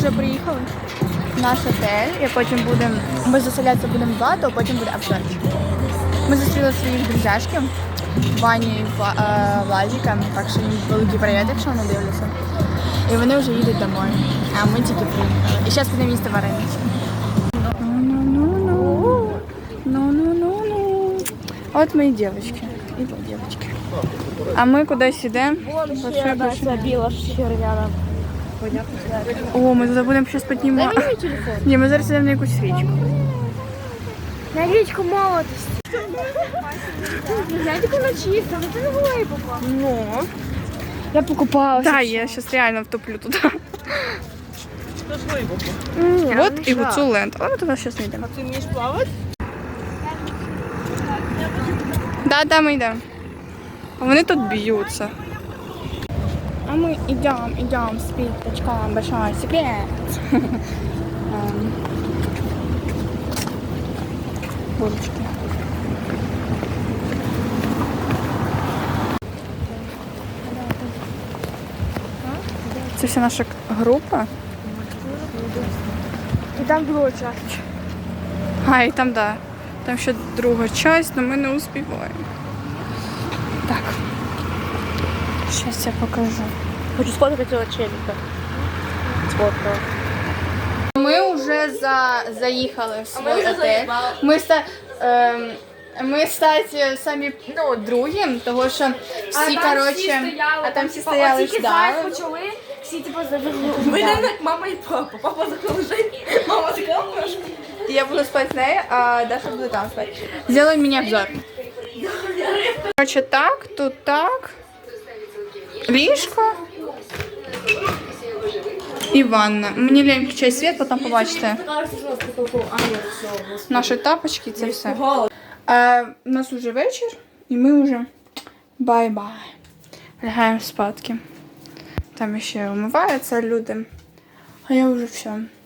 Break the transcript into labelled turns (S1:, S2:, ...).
S1: вже приїхали в наш отель, і потім ми заселятися будемо 2, то потім буде обзорчик. Ми зустріли своїх друзяшків, Ваню і Владіка, так що їм великий привіт, якщо вони дивляться. І вони вже їдуть домой, а ми тільки приїхали. І зараз будемо їсти варенички. Ну. От мої дівчатки. І вот дівчатки. А ми кудись йдемо.
S2: Забила червяна.
S1: О, ми туди будемо щось піднімати.
S2: Дай мені телефон.
S1: Ні, ми зараз йдемо на якусь річку.
S2: На річку молодості. Знаєте, коли чисто, але ти не була і попала. Ну. Я покупалася.
S1: Так, я зараз реально втоплю туди.
S2: Ні,
S1: Вот і гуцул ленд. Але ми туди зараз не йдемо.
S2: Ти вмієш плавати?
S1: Да, ми йдемо. А вони тут б'ються. А ми йдемо з піточком, большой секрет. Булочки. Це вся наша група.
S2: І там було час.
S1: А, і там, да. Там ще друга часть, але ми не успіваємо. Так. Зараз я покажу.
S2: Хочу сфоткати цього челіка. Сфоткала.
S1: Ми вже заїхали в свій отель. Ми статі самі другі, тому що всі, коротше, а там всі стояли ждали.
S2: Почали, всі типу завели.
S3: Ми як мама і папа. Папа закрив жень, мама закрила ножку.
S1: Я буду спати з нею, а Даша буде там спати. Сделай мені обзор. Коротше, так, тут так. Ліжко. І ванна. Мені лень включай світ, потім побачите. Наші тапочки, це все. У нас уже вечір, і ми вже бай-бай. Лягаємо спадки. Там ще вмиваються люди. А я вже все.